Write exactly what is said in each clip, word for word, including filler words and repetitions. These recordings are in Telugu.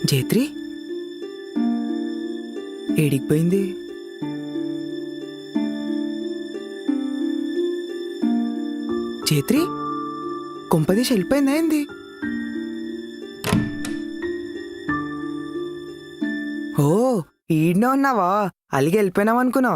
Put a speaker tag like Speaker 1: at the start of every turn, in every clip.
Speaker 1: జైత్రి ఏడికిపోయింది? జైత్రి కొంపదీసి వెళ్ళిపోయిందా ఏంది? ఓ ఈడ్నే ఉన్నావా? అలిగి వెళ్ళిపోయినావు అనుకున్నా.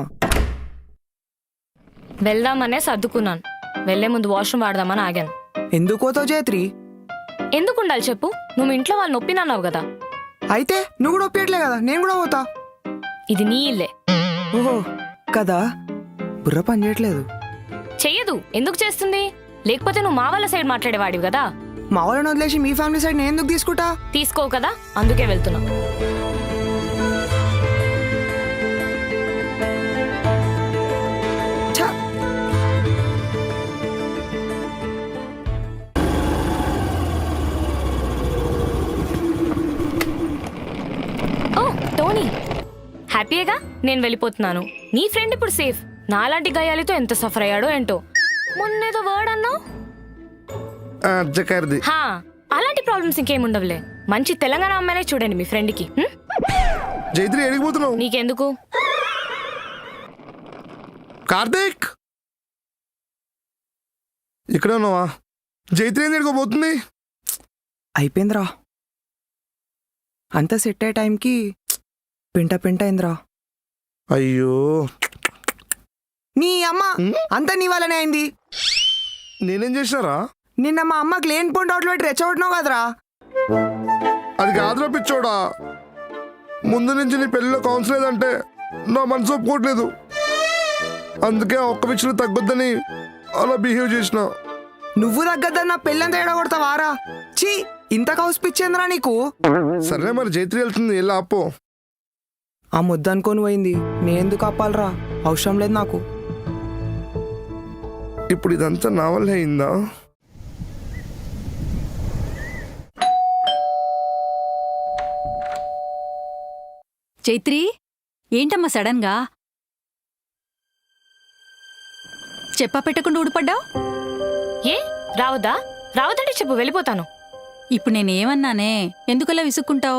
Speaker 2: వెళ్దామనే సర్దుకున్నాను. వెళ్లే ముందు వాష్రూమ్ వాడదామని ఆగాను.
Speaker 1: ఎందుకు పోతావు జైత్రి?
Speaker 2: ఎందుకు ఉండాలి చెప్పు? నువ్వు ఇంట్లో వాళ్ళు నొప్పినన్నావు కదా.
Speaker 1: అయితే నువ్వు కూడా ఒప్పియట్లే కదా, నేను కూడా పోతా.
Speaker 2: ఇది నీ ఇల్లే.
Speaker 1: ఓహో కదా, బుర్ర పని చేయట్లేదు.
Speaker 2: చెయ్యదు. ఎందుకు చేస్తుంది? లేకపోతే నువ్వు మా వాళ్ళ సైడ్ మాట్లాడేవాడివి కదా.
Speaker 1: మా వాళ్ళని వదిలేసి మీ ఫ్యామిలీ సైడ్ నేను ఎందుకు తీసుకుంటా?
Speaker 2: తీసుకోవు కదా, అందుకే వెళ్తున్నా. హ్యాపీయేగా? నేను వెళ్ళిపోతున్నాను. నీ ఫ్రెండ్ ఇప్పుడు సేఫ్. నాలాంటి గయాలితో ఎంత సఫర్ అయ్యాడో ఏంటో. మొన్నేదో వర్డ్ అన్నావు. హా, అలాంటి ప్రాబ్లమ్స్ ఇంకేముండవులే. మంచి తెలంగాణ అమ్మాయినే చూడండి మీ ఫ్రెండ్ కి.
Speaker 3: జైత్రి ఎడిగిపోతున్నావు?
Speaker 2: నీకెందుకు?
Speaker 3: కార్తీక్ ఇక్కడ ఉన్నావా? జైత్రి ఏం ఎడుకోబోతుంది?
Speaker 1: అయిపోయిందిరా, అంతా సెట్ అయ్యే టైంకి పింట పింట అయిందిరా.
Speaker 3: అయ్యో
Speaker 1: నీ అమ్మ అంతా నీ వల్లనే అయింది.
Speaker 3: నేనేం చేసినారా?
Speaker 1: నిన్న మా అమ్మకి లేని పోండి అవుట్లు పెట్టి రెచ్చగొట్టినావు కదరా.
Speaker 3: అది కాదురా పిచ్చోడా, ముందు నుంచి నీ పెళ్ళిలో కౌన్సిల్ లేదంటే నా మనసు ఒప్పుకోవట్లేదు. అందుకే ఒక్క విషయంలో తగ్గొద్దని అలా బిహేవ్ చేసిన.
Speaker 1: నువ్వు తగ్గద్దని నా పెళ్ళంతా ఎడగొడతావారా? చీ, ఇంత కౌస్ పిచ్చేంద్రా నీకు.
Speaker 3: సరే మరి జైత్రి వెళ్తుంది, వెళ్ళి ఆపో.
Speaker 1: ఆ ముద్ద అనుకోని పోయింది, నేనెందుకు ఆపాలరా? అవసరం లేదు నాకు.
Speaker 3: ఇప్పుడు ఇదంతా నా వల్లే అయిందా?
Speaker 4: చైత్రి ఏంటమ్మా సడన్ గా చెప్పా పెట్టకుండా ఊడిపడ్డావు?
Speaker 2: ఏ రావద్దా? రావద్దంటే చెప్పు, వెళ్ళిపోతాను.
Speaker 4: ఇప్పుడు నేనేమన్నానే, ఎందుకలా విసుక్కుంటావు?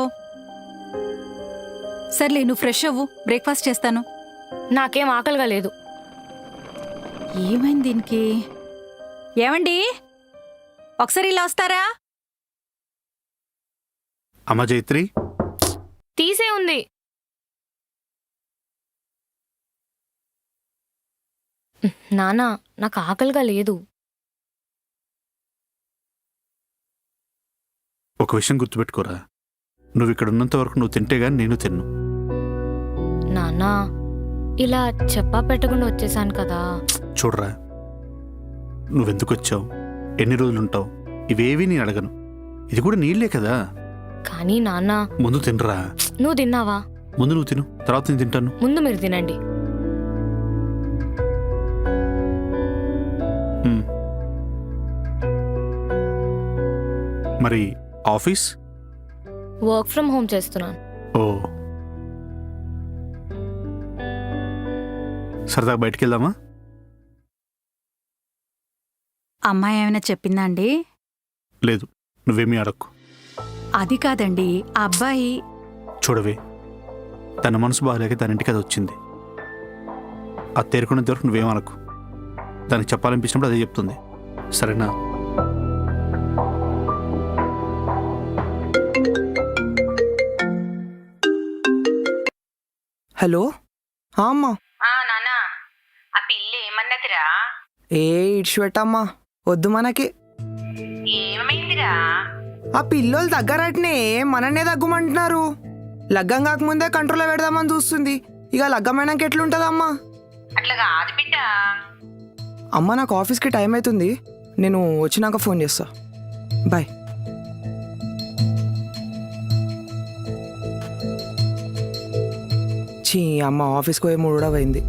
Speaker 4: సర్లే, నువ్వు ఫ్రెష్ అవ్వు, బ్రేక్ఫాస్ట్ చేస్తాను.
Speaker 2: నాకేం ఆకలిగా లేదు.
Speaker 4: ఏమైంది దీనికి? ఏమండి, ఒకసారి ఇలా వస్తారా?
Speaker 5: అమ్మ జైత్రి,
Speaker 2: తీసే ఉంది. నానా, నాకు ఆకలిగా లేదు.
Speaker 5: ఒక విషయం గుర్తుపెట్టుకోరా, నువ్వు ఇక్కడ ఉన్నంత వరకు నువ్వు తింటే గాని నేను తిన్ను.
Speaker 2: నానా, ఇలా చెప్పా పెట్టకుండా వచ్చేసాను కదా.
Speaker 5: చూడరా, నువ్వెందుకు వచ్చావు, ఎన్ని రోజులు ఉంటావు, ఇవేవీ నేను అడగను. ఇది కూడా నీళ్ళే కదా.
Speaker 2: కానీ నాన్న,
Speaker 5: ముందు తినరా.
Speaker 2: నువ్వు తిన్నావా?
Speaker 5: ముందు నువ్వు తిను, తర్వాత నేను తింటాను.
Speaker 2: ముందు మీరు తినండి.
Speaker 5: మరి ఆఫీస్?
Speaker 2: వర్క్ ఫ్రమ్ హోమ్ చేస్తున్నాను.
Speaker 5: ఓ, సరదాగా బయటికి వెళ్దామా?
Speaker 4: అమ్మాయి ఏమైనా చెప్పిందా అండి?
Speaker 5: లేదు, నువ్వేమీ అడక్కు.
Speaker 4: అది కాదండి, ఆ అబ్బాయి.
Speaker 5: చూడవే, తన మనసు బాగాలేక తన ఇంటికి అది వచ్చింది. అది తేరుకునేంత వరకు నువ్వేమనకు. దానికి చెప్పాలనిపించినప్పుడు అదే చెప్తుంది, సరేనా?
Speaker 1: హలో అమ్మా.
Speaker 6: నానా, ఆ పిల్లి ఏమన్నదిరా?
Speaker 1: ఏ ఇడ్చి పెట్టమ్మా, వద్దు మనకి.
Speaker 6: ఏమైందిరా?
Speaker 1: ఆ పిల్లోళ్ళు దగ్గరట్నే మననే దగ్గమంటున్నారు. లగ్గం కాకముందే కంట్రోల్లో పెడదామని చూస్తుంది. ఇక లగ్గమైనాక ఎట్లుంటదమ్మా?
Speaker 6: అట్లా కాదు బిడ్డ.
Speaker 1: అమ్మ, నాకు ఆఫీస్కి టైం అవుతుంది, నేను వచ్చినాక ఫోన్ చేస్తా. బాయ్. చీ, అమ్మ ఆఫీస్కి పోయే మూడు కూడా పోయింది.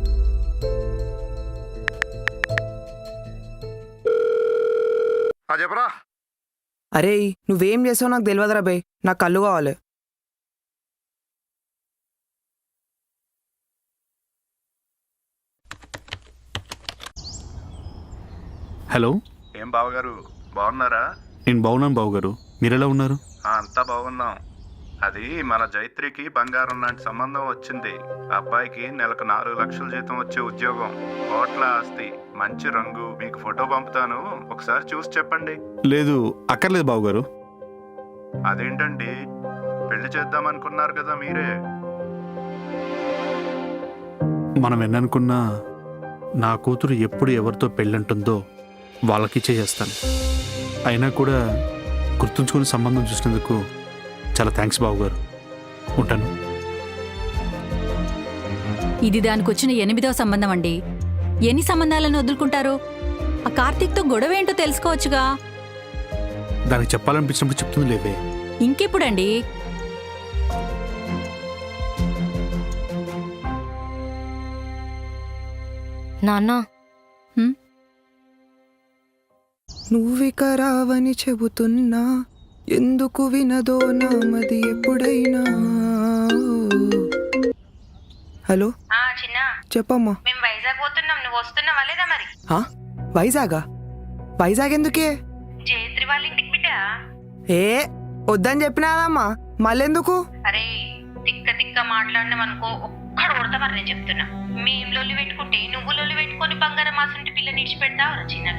Speaker 3: చెప్పరా.
Speaker 1: అరే, నువ్వేం చేసావు నాకు తెలియదురా బే, నాకు కళ్ళు కావాలి.
Speaker 5: హలో.
Speaker 7: ఏం బావగారు, బాగున్నారా?
Speaker 5: నేను బాగున్నాను బావగారు, మీరెలా ఉన్నారు?
Speaker 7: అంతా బాగున్నాం.
Speaker 5: అది మన జైత్రికి బంగారం లాంటి సంబంధం వచ్చింది. అబ్బాయికి నెలకు నాలుగు లక్షల జీతం వచ్చే ఉద్యోగం, కోట్ల ఆస్తి, మంచి రంగు. మీకు ఫోటో పంపుతాను, ఒకసారి చూసి చెప్పండి. లేదు అక్కర్లేదు బావగారు. అదేంటండి, పెళ్లి చేద్దామనుకున్నారు కదా మీరే. మనం ఎన్ననుకున్నా నా కూతురు ఎప్పుడు ఎవరితో పెళ్ళంటుందో వాళ్ళకి చేస్తాను. అయినా కూడా గుర్తుంచుకుని సంబంధం చూసినందుకు చాలా థ్యాంక్స్ బావగారు. ఉంటాను.
Speaker 4: ఇది దానికొచ్చిన ఎనిమిదవ సంబంధం అండి. ఎన్ని సంబంధాలను వదులుకుంటారు? ఆ కార్తీక్తో గొడవ ఏంటో తెలుసుకోవచ్చుగా.
Speaker 5: దానికి చెప్పాలనిపించినప్పుడు చెప్తుంది లేవే.
Speaker 4: ఇంకెప్పుడండి?
Speaker 2: నాన్న,
Speaker 4: హ్మ్?
Speaker 1: నువ్విక రావని చెబుతున్నా, ఎందుకు వినదో నామది ఎప్పుడైనా. హలో,
Speaker 6: ఆ చిన్న,
Speaker 1: చెప్పమ్మా.
Speaker 6: మేము వైజాగ్ పోతున్నాం, నువ్వు వస్తున్నావా లేదా మరి?
Speaker 1: ఆ? వైజాగా? వైజాగ్ ఎందుకే?
Speaker 6: జయత్రి వాళ్ళ ఇంటికి బిడ్డ.
Speaker 1: ఏ వద్దని చెప్పినాదమ్మా, మళ్ళెందుకు?
Speaker 6: అరే తిక్క తిక్క మాట్లాడినాం అనుకో, ఒక్కడు కొడతా మరి. నేను చెప్తున్నా, మేం లొల్లి పెట్టుకుంటే నువ్వు లొల్లి పెట్టుకొని బంగారం మాసుంటి పిల్ల నిడిచిపెడతావు చిన్న.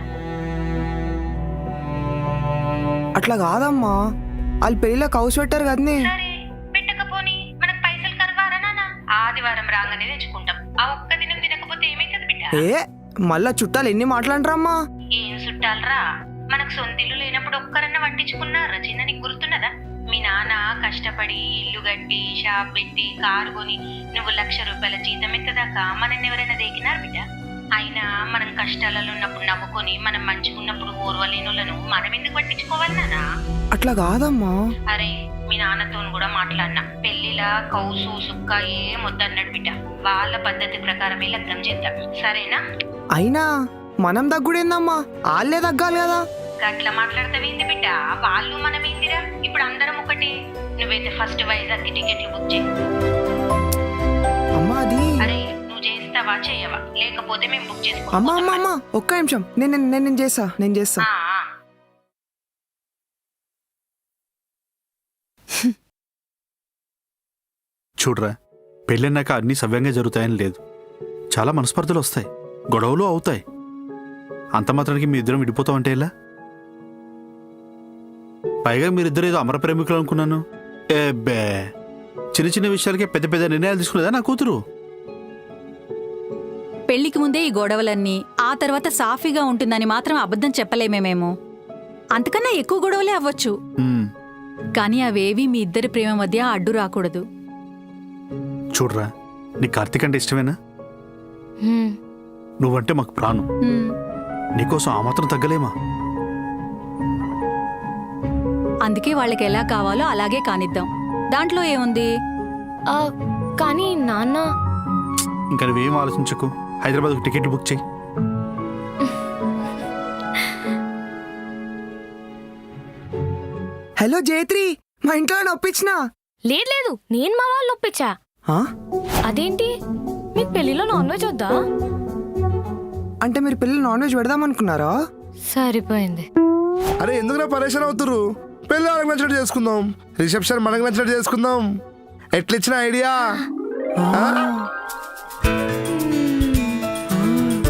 Speaker 1: అట్లా కాదమ్మా, వాళ్ళు పెళ్లిలో కౌసు పెట్టారు కదనే.
Speaker 6: సరే పెట్టకపోని మనకు పైసలు కరవారా నాన్న? ఆదివారం రాగానే తెచ్చుకుంటాం. ఆ ఒక్క దినం తినకపోతే ఏమైతుంది బిడ్డ?
Speaker 1: ఏ మళ్ళా చుట్టాలు ఎన్ని మాట్లాడరమ్మా?
Speaker 6: ఏం చుట్టాలరా, మనకు సొంతిల్లు లేనప్పుడు ఒక్కరన్నా పట్టించుకున్నారా చిన్న? నీకు గుర్తున్నదా? మీ నాన్న కష్టపడి ఇల్లు కట్టి షాప్ పెట్టి కారు కొని నువ్వు లక్ష రూపాయల జీతం ఎత్తదాకా మనల్ని ఎవరైనా దేకినారు బిడ్డ? అయినా మనం కష్టాలలో ఉన్నప్పుడు నవ్వుకొని మనం మంచిగున్నప్పుడు ఓర్వలేనులను మనం ఎందుకు పట్టించుకోవాలి నానా?
Speaker 1: అట్లా కాదమ్మా.
Speaker 6: అరే మీ నాన్నతో కూడా మాట్లాడినా, పెళ్లిలా కౌసు సుక్క ఏం వద్దన్నాడు బిడ్డ. వాళ్ళ పద్ధతి ప్రకారమే లగ్నం చేద్దాం, సరేనా?
Speaker 1: అయినా మనం దగ్గుడేందమ్మా, వాళ్ళే తగ్గాలి కదా.
Speaker 6: గట్లా మాట్లాడతావేంది బిడ్డ? వాళ్ళు మనమేందిరా, ఇప్పుడు అందరం ఒకటి. నువ్వైతే ఫస్ట్ వైజాగ్ కి టికెట్లు బుక్ చేయి.
Speaker 1: అమ్మా అది.
Speaker 6: అరే నువ్వు చేస్తావా చేయవా, లేకపోతే మేము బుక్ చేసుకో.
Speaker 1: అమ్మా అమ్మా అమ్మా ఒక్క నిమిషం, నేను నేను- నేను నేను చేస్తా నేను చేస్తా
Speaker 5: చూడరా, పెళ్ళన్నాక అన్నీ సవ్యంగా జరుగుతాయని లేదు. చాలా మనస్పర్ధలు వస్తాయి, గొడవలు అవుతాయి. అంత మాత్రానికి మీ ఇద్దరం విడిపోతామంటే ఎలా? పైగా మీరిద్దరు ఏదో అమర ప్రేమికులు అనుకున్నాను. ఏ బే, చిన్న చిన్న విషయాలకే పెద్ద పెద్ద నిర్ణయాలు తీసుకునేదా నా కూతురు?
Speaker 4: పెళ్లికి ముందే ఈ గొడవలన్నీ, ఆ తర్వాత సాఫీగా ఉంటుందని మాత్రం అబద్ధం చెప్పలేమేమేమో. అంతకన్నా ఎక్కువ గొడవలే అవ్వచ్చు,
Speaker 5: ఉమ్,
Speaker 4: కానీ అవేవీ మీ ఇద్దరి ప్రేమ మధ్య అడ్డు రాకూడదు.
Speaker 5: చూడరా, నీ కార్తీక్ అంటే ఇష్టమేనా?
Speaker 2: హ్మ్,
Speaker 5: నువ్వంటే మాకు ప్రాణం.
Speaker 4: హ్మ్.
Speaker 5: నీకోసం ఆ మాత్రం తగ్గలేమా?
Speaker 4: అందుకే వాళ్ళకి ఎలా కావాలో అలాగే కానిద్దాం, దాంట్లో ఏముంది?
Speaker 2: ఆ, కానీ నాన్న,
Speaker 5: ఇంకా నువ్వేం ఆలోచించకు, హైదరాబాద్కు టికెట్ బుక్ చేయి.
Speaker 1: హలో జయత్రి, మా ఇంట్లో ఒప్పించినా.
Speaker 2: లేదు లేదు, నేను మా వాళ్ళు ఒప్పించా.
Speaker 1: ఆ?
Speaker 2: అదేంటి, మీకు పెళ్లిలో నాన్ వెజ్ వద్దా?
Speaker 1: అంటే మీరు పిల్లలు నాన్ వెజ్ పెడదాం అనుకున్నారా?
Speaker 2: సరిపోయింది.
Speaker 3: అరే ఎందుకురా పరేషాన్ అవుతురు? పెళ్ళి వాళ్ళకి నచ్చినట్టు చేసుకుందాం, రిసెప్షన్ మనకు నచ్చినట్టు చేసుకుందాం. ఎట్లిచ్చిన ఐడియా?
Speaker 1: ఆ.